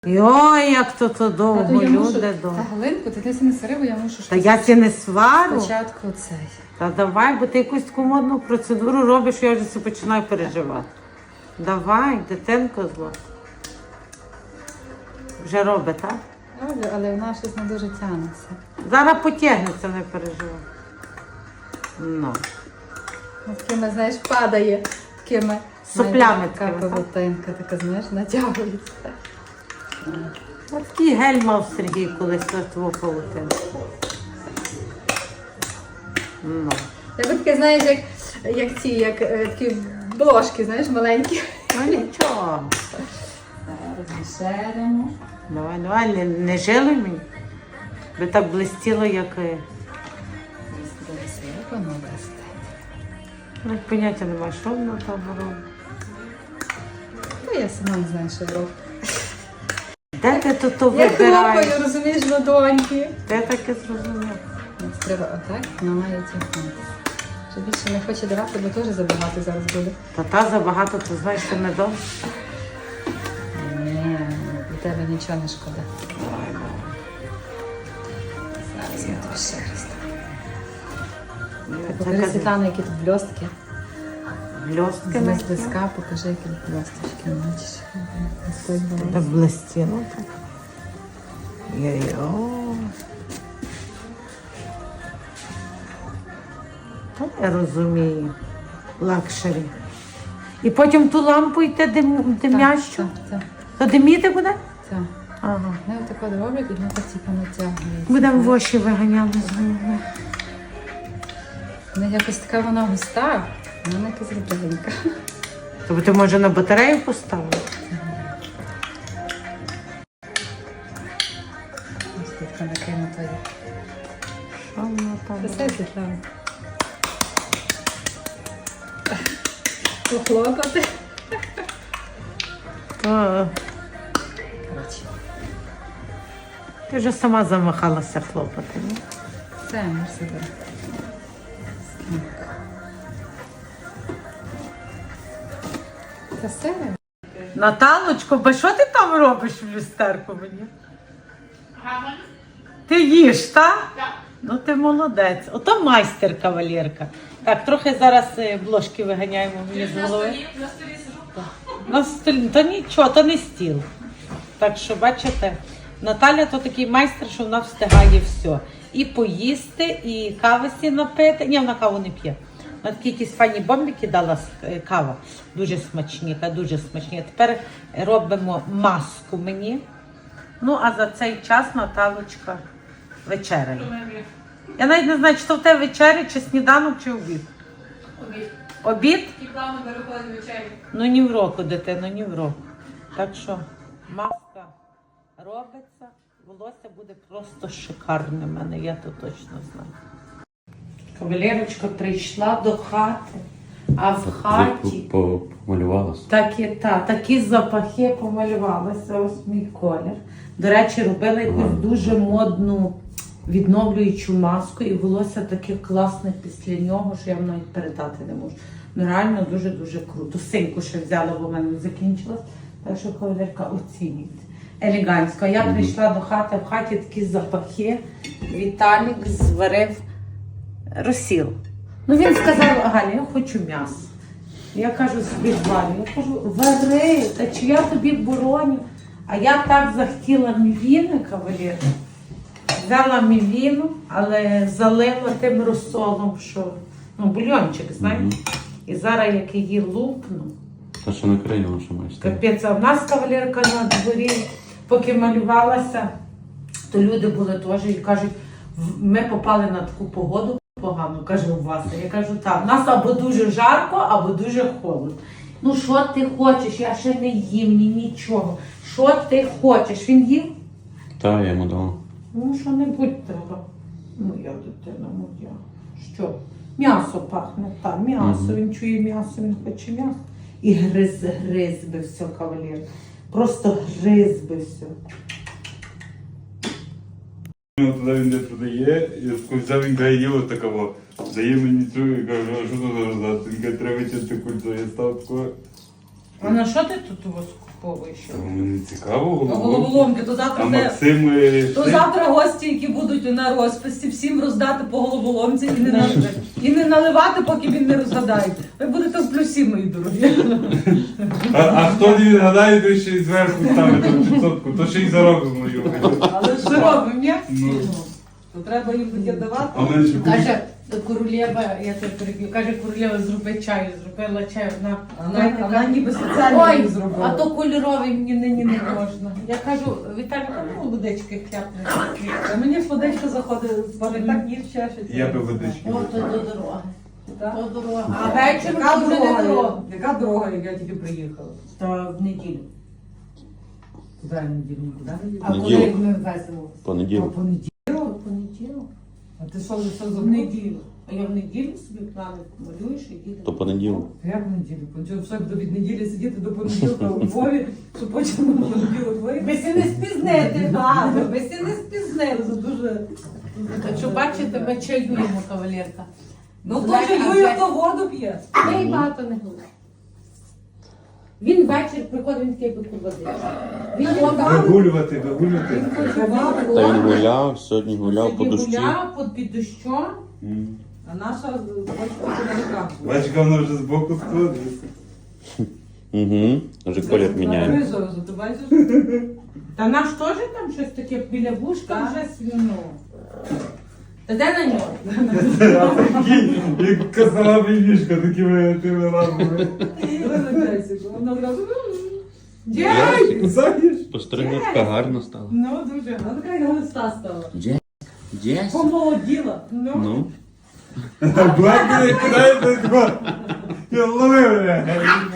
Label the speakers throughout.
Speaker 1: Йой, як то довго, люди довго.
Speaker 2: Та Галинку, ти не свари, бо я мушу щось.
Speaker 1: Та я ці не свару.
Speaker 2: Спочатку цей.
Speaker 1: Та давай, бо ти якусь таку модну процедуру робиш, я вже починаю переживати. Давай, дитинко зло. Вже робить, так?
Speaker 2: Роблю, але вона щось не дуже тягнеться.
Speaker 1: Зараз потягнеться, не переживай. Ну.
Speaker 2: Такими, знаєш, падає. Такими.
Speaker 1: Соплями
Speaker 2: Така
Speaker 1: такими, так?
Speaker 2: павутинка, така, знаєш, натягується.
Speaker 1: Ось такий гель мав Сергій колись твого павутину. Ну.
Speaker 2: Я би таке, знаєш, як такі бложки, знаєш, маленькі.
Speaker 1: Ну нічого.
Speaker 2: Розмішаємо.
Speaker 1: Давай, не жили мені. Би так блистіло, як... Ну, поняття немає, що воно там робить.
Speaker 2: Ну, я сама не знаю, що роблю.
Speaker 1: Де ти тут
Speaker 2: Я
Speaker 1: вибираєш?
Speaker 2: хлопаю, розумієш, ладоньки.
Speaker 1: Де таке зрозумів?
Speaker 2: Треба отак, вона має тягнути. Що більше не хоче давати, бо теж забагато зараз буде.
Speaker 1: Та забагато, ти знаєш, що не добре.
Speaker 2: Ні, для тебе нічого не шкода. Зараз я тобі ще раз. Покажи, Світлана, які тут блістки.
Speaker 1: Блістки
Speaker 2: З близька покажи, які тут блісточки. Бачиш?
Speaker 1: так блистіло. Так. Йо-йо. Та я розумію. Лакшері. І потім ту лампу йти димящу.
Speaker 2: Так.
Speaker 1: То диміти буде?
Speaker 2: Так.
Speaker 1: Ага.
Speaker 2: Вони отако роблять, і воно так типу натягується.
Speaker 1: Будемо воші виганяли з голови.
Speaker 2: Вона якось така вона густа, вона якась ріденька.
Speaker 1: Тобто ти може на батарею поставити?
Speaker 2: Ось тут накинута є.
Speaker 1: Що воно там?
Speaker 2: Це Світлана. Похлопати. Коротше.
Speaker 1: Ти вже сама замахалася хлопати, ні?
Speaker 2: Все, ми сюди. Та все.
Speaker 1: Наталочко, бо що ти там робиш в люстерку мені? Ти їш, так? Так. Ну ти молодець. Ото майстер, кавалерка. Так, трохи зараз бложки виганяємо мені з голови.
Speaker 3: На столі сижу.
Speaker 1: На столі, то нічого, то не стіл. Так що, бачите, Наталя то такий майстер, що вона встигає все. І поїсти, і кави сі напити. Ні, вона каву не п'є. Вона такі якісь файні бомбики дала кава. Дуже смачні, дуже смачні. Тепер робимо маску мені. Ну, а за цей час Наталочка вечеряє. Я навіть не знаю, чи то в тебе вечеря, чи сніданок, чи обід.
Speaker 3: Обід.
Speaker 1: Обід?
Speaker 3: І плавно переходить вечері.
Speaker 1: Ну, ні в року, дитино, ні в року. Так що маска робиться, волосся буде просто шикарне в мене, я то точно знаю. Кавалерочка прийшла до хати, а в хаті
Speaker 4: Помалювалася.
Speaker 1: такі запахи помалювалися, ось мій колір. До речі, робила якусь дуже модну відновлюючу маску, і волосся таке класне після нього, що я вам навіть передати не можу. Ну реально дуже-дуже круто. Синьку ще взяла, бо в мене закінчилась. Так що кавалерка оцінюйте. Елегантсько. Я прийшла до хати, в хаті такі запахи. Віталік зварив розсіл. Ну він сказав: Галя, я хочу м'ясо. Я кажу собі зварю. Я кажу: вари, та чи я тобі бороню? А я так захотіла мівіни, кавалер. Взяла мівіну, але залила тим розсолом, що, ну, бульйончик, знаєте. І зараз, як її лупну,
Speaker 4: Та що на країну що маєш?
Speaker 1: капець. А в нас кавалерка на дворі, поки малювалася, то люди були теж і кажуть: ми попали на таку погоду погану, каже, у вас. Я кажу: так, в нас або дуже жарко, або дуже холодно. Ну, що ти хочеш? Я ще не їм, ні нічого. Що ти хочеш? Він їв?
Speaker 4: Та, я йому дала.
Speaker 1: Ну, що-небудь треба. Моя дитина, моя. Що? М'ясо пахне, так, м'ясо. Він чує м'ясо, він хоче м'ясо. І гриз би все, кавалер. Просто гриз би все.
Speaker 5: Туди він не продає, я взяв, він каже, є ось такого. Дає мені цю, і кажу: а що це за роздати? Він каже, треба чисти кульцо. Я став такого,
Speaker 1: А на що ти тут його скуповуєш?
Speaker 5: Мені цікаво,
Speaker 2: Головоломки, то
Speaker 5: А
Speaker 2: завтра де.
Speaker 5: Максим...
Speaker 2: То завтра гості, які будуть на розписі, всім роздати по головоломці і не наливати, поки він не розгадає. Ви будете в плюсі, мої дорогі.
Speaker 5: А хто не відгадає, то ще й зверху ставить відсотку, то ще й заробимо його.
Speaker 2: Але що робимо, ні?
Speaker 5: Ну.
Speaker 2: То треба їм буде давати.
Speaker 5: А в мене ще
Speaker 1: Каже, королева, я тебе переб'ю, каже, королева, зроби чаю, зробила чай,
Speaker 2: Вона ніби спеціально
Speaker 1: Ой,
Speaker 2: її
Speaker 1: а
Speaker 2: зробила.
Speaker 1: то кольоровий мені нині не можна. Я кажу, Віталій, ну водички хляпне.
Speaker 2: А мені водичка заходить, пане, так їх чешеться.
Speaker 5: Я би водички.
Speaker 1: О, то до дороги.
Speaker 2: Так?
Speaker 1: То дорога. А вечір
Speaker 2: Яка
Speaker 1: вже не
Speaker 2: дорога?
Speaker 1: дорога.
Speaker 2: Яка дорога, як я тільки приїхала?
Speaker 1: Та в неділю.
Speaker 2: Куди я неділю? Нікуди не їду.
Speaker 1: А коли
Speaker 4: Неділю.
Speaker 1: ми веземо?
Speaker 4: Понеділок.
Speaker 1: Понеділок.
Speaker 2: А ти що
Speaker 1: В
Speaker 2: забув?
Speaker 1: неділю. А я в неділю собі плани малюєш і їдемо.
Speaker 4: То понеділок.
Speaker 2: Як в неділю? Понеділок, все до від неділі сидіти до понеділка у Львові, щоб потім на понеділок виїхати.
Speaker 1: Ви се не спізнете, бабу, ви се не спізнили.
Speaker 2: Це дуже...
Speaker 1: Так що бачите, ми чаюємо, кавалерка.
Speaker 2: Ну хто чаює, хто воду п'є.
Speaker 1: Ми й багато не говоримо. Він ввечері приходить, він такий би води. Він
Speaker 5: Вигулювати.
Speaker 4: Та він гуляв, сьогодні гуляв по дощі.
Speaker 1: гуляв під дощом.
Speaker 2: А наша бачка на руках була.
Speaker 5: Бачка, вона вже збоку складається.
Speaker 4: Угу. Вже колір міняє.
Speaker 2: Крижа, ти бачиш?
Speaker 1: Та наш теж там щось таке біля вушка
Speaker 2: Так.
Speaker 1: вже свіно. Та де на нього?
Speaker 5: Як казала мішка такими тими лапами.
Speaker 2: Вона зразу...
Speaker 1: Дядь!
Speaker 5: Знаєш?
Speaker 4: Постригла така гарна стала.
Speaker 1: Ну, дуже.
Speaker 2: Вона така як листа стала.
Speaker 4: Джес.
Speaker 2: Помолоділа.
Speaker 4: Ну.
Speaker 5: Блек не кидає такого. Я ловив мене.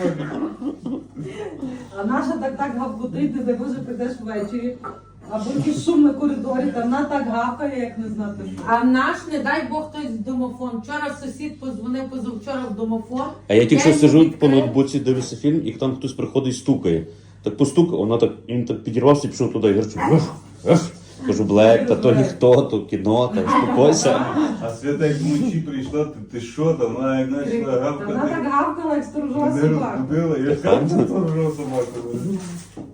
Speaker 2: А наша так гавкотить, ти може прийдеш ввечері, або якийсь шум на коридорі, та вона так гавкає, як не знати що.
Speaker 1: А наш, не дай Бог, хтось в домофон. Вчора сусід позвонив позавчора в домофон.
Speaker 4: А я тільки що
Speaker 1: йому
Speaker 4: сижу по
Speaker 1: відкрив.
Speaker 4: ноутбуці, дивлюся фільм, і там хтось приходить і стукає. Так постукав, вона так, він так підірвався і пішов туди. Я кажу, кажу, Блек, та то ніхто, то кіно, та успокойся.
Speaker 5: А Свята як вночі прийшла, ти що там? Вона як почала
Speaker 2: Вона
Speaker 5: гавкати.
Speaker 2: так гавкала, як сторожова
Speaker 5: Не
Speaker 2: собака.
Speaker 5: розбудила, я
Speaker 4: Правда?
Speaker 5: сам сторожав собаку.